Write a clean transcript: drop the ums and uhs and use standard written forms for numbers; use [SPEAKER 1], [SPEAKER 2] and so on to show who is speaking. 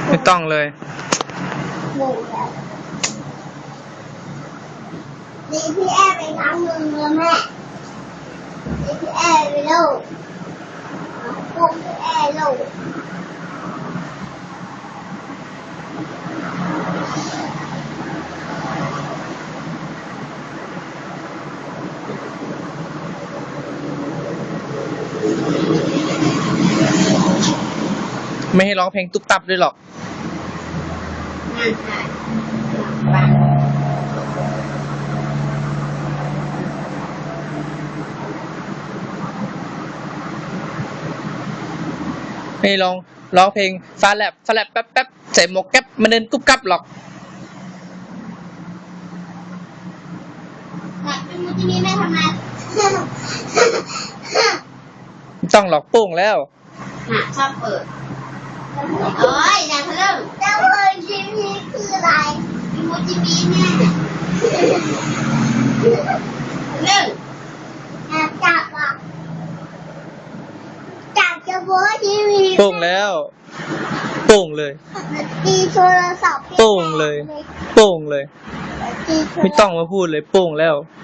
[SPEAKER 1] ไม่ต้องเลย
[SPEAKER 2] หมูแล้วดีพี่แอร์ไปล้างมือแล้วแม่ดีพี่แอร์ไปลูกปุ๊บพี่แอร์ลูก
[SPEAKER 1] ไม่ให้ร้องเพลงตุ๊บตับด้วยหรอกไม่ร้องเพลงฟ้าแลบแป๊บแป๊บใส่หมวกแก๊ปมาเดินกุ๊บกับหรอก
[SPEAKER 2] เป็นมูจิมีแม่ทำไม
[SPEAKER 1] ไม่ต้องหรอกโป้งแล้ว
[SPEAKER 2] ชอบเปิดโอ้ยอย่าทะลึ่งแล้วมูจิมีคืออะไรมูจิมีเนี่ยทะลึ่งจับอ่ะจับจะมูจิมี
[SPEAKER 1] โป้งแล้วโป้งเลย
[SPEAKER 2] ตีโทรศัพท์
[SPEAKER 1] โป้งเลยโป้งเลยไม่ต้องมาพูดเลยโป้งแล้ว